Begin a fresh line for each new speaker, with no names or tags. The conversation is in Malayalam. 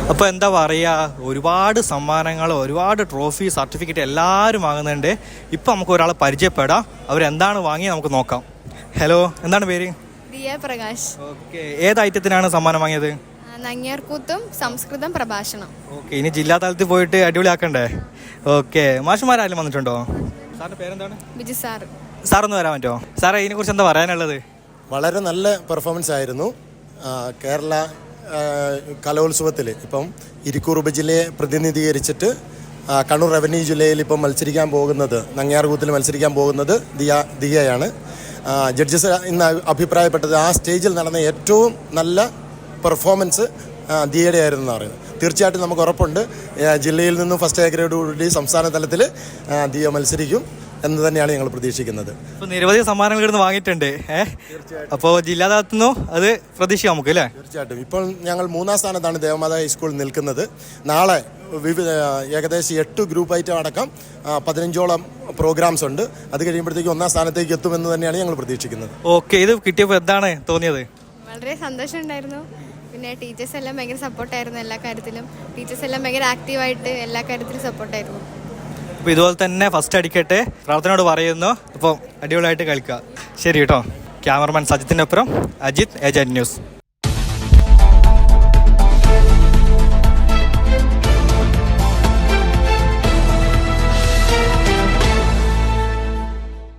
അപ്പോൾ എന്താ പറയുക, ഒരുപാട് സമ്മാനങ്ങൾ, ഒരുപാട് ട്രോഫി, സർട്ടിഫിക്കറ്റ് എല്ലാവരും വാങ്ങുന്നുണ്ട്. ഇപ്പം നമുക്ക് ഒരാളെ പരിചയപ്പെടാം. അവരെന്താണ് വാങ്ങി നമുക്ക് നോക്കാം. ഹലോ, എന്താണ് പേര്?
ദിയ പ്രകാശ്.
ഓക്കെ, ഏത് ഐറ്റത്തിനാണ് സമ്മാനം വാങ്ങിയത്?
നങ്ങ്യാർകൂത്തും സംസ്കൃതം പ്രഭാഷണം.
ഓക്കെ, ഇനി ജില്ലാ തലത്തിൽ പോയിട്ട് അടിപൊളിയാക്കണ്ടേ? ഓക്കെ, മാഷുമാരാരും വന്നിട്ടുണ്ടോ? സാറിൻ്റെ പേരെന്താണ്?
ബിജു സാറ്.
സാറൊന്ന് വരാൻ പറ്റുമോ? സാറേ, ഇതിനെക്കുറിച്ച് എന്താ പറയാനുള്ളത്?
വളരെ നല്ല പെർഫോമൻസ് ആയിരുന്നു. കേരള കലോത്സവത്തിൽ ഇപ്പം ഇരിക്കൂർ ഉപജില്ലയെ പ്രതിനിധീകരിച്ചിട്ട് കണ്ണൂർ റവന്യൂ ജില്ലയിൽ ഇപ്പം മത്സരിക്കാൻ പോകുന്നത്, നങ്ങ്യാർകൂത്തിൽ മത്സരിക്കാൻ പോകുന്നത് ദിയയാണ്. ജഡ്ജസ് ഇന്ന് അഭിപ്രായപ്പെട്ടത് ആ സ്റ്റേജിൽ നടന്ന ഏറ്റവും നല്ല പെർഫോമൻസ് ദിയയുടെ ആയിരുന്നു എന്ന് പറയുന്നത്. തീർച്ചയായിട്ടും നമുക്ക് ഉറപ്പുണ്ട് ജില്ലയിൽ നിന്നും ഫസ്റ്റ് എ ഗ്രേഡോടുകൂടി സംസ്ഥാന തലത്തിൽ ദിയ മത്സരിക്കും എന്ന് തന്നെയാണ് ഞങ്ങൾ പ്രതീക്ഷിക്കുന്നത്.
ഇപ്പോൾ നിരവധി സമ്മാനങ്ങൾ ഇവിടുന്ന് വാങ്ങിയിട്ടുണ്ട്. അപ്പോൾ ജില്ലാ തലത്തുനിന്നും അത് പ്രതീക്ഷിക്കാം നമുക്ക്, അല്ലേ?
തീർച്ചയായിട്ടും. ഇപ്പോൾ ഞങ്ങൾ 3ാം സ്ഥാനത്താണ് ദേവമാതാ ഹൈസ്കൂൾ നിൽക്കുന്നത്. നാളെ ഏകദേശം 8 ഗ്രൂപ്പ് ഐറ്റം അടക്കം 15ഓളം പ്രോഗ്രാംസ് ഉണ്ട്. അത് കഴിയുമ്പോഴത്തേക്ക് 1ാം സ്ഥാനത്തേക്ക് എത്തുമെന്ന് തന്നെയാണ് ഞങ്ങൾ പ്രതീക്ഷിക്കുന്നത്.
ഓക്കെ, ഇത് കിട്ടിയപ്പോൾ എന്താണ് തോന്നിയത്?
വളരെ സന്തോഷം ഉണ്ടായിരുന്നു. പിന്നെ ടീച്ചേഴ്സ് എല്ലാം ഭയങ്കര സപ്പോർട്ടായിരുന്നു എല്ലാ കാര്യത്തിലും. ടീച്ചേഴ്സ് എല്ലാം ഭയങ്കര ആക്റ്റീവായിട്ട് എല്ലാ കാര്യത്തിലും സപ്പോർട്ടായിരുന്നു.
അപ്പോൾ ഇതുപോലെ തന്നെ ഫസ്റ്റ് അടിക്കട്ടെ, പ്രാർത്ഥനയോട് പറയുന്നു. അപ്പോൾ അടിപൊളിയായിട്ട് കളിക്കുക. ശരി കേട്ടോ. ക്യാമറമാൻ സജിത്തിൻ്റെ അപ്പുറം അജിത്, ഏജന്റ് ന്യൂസ്.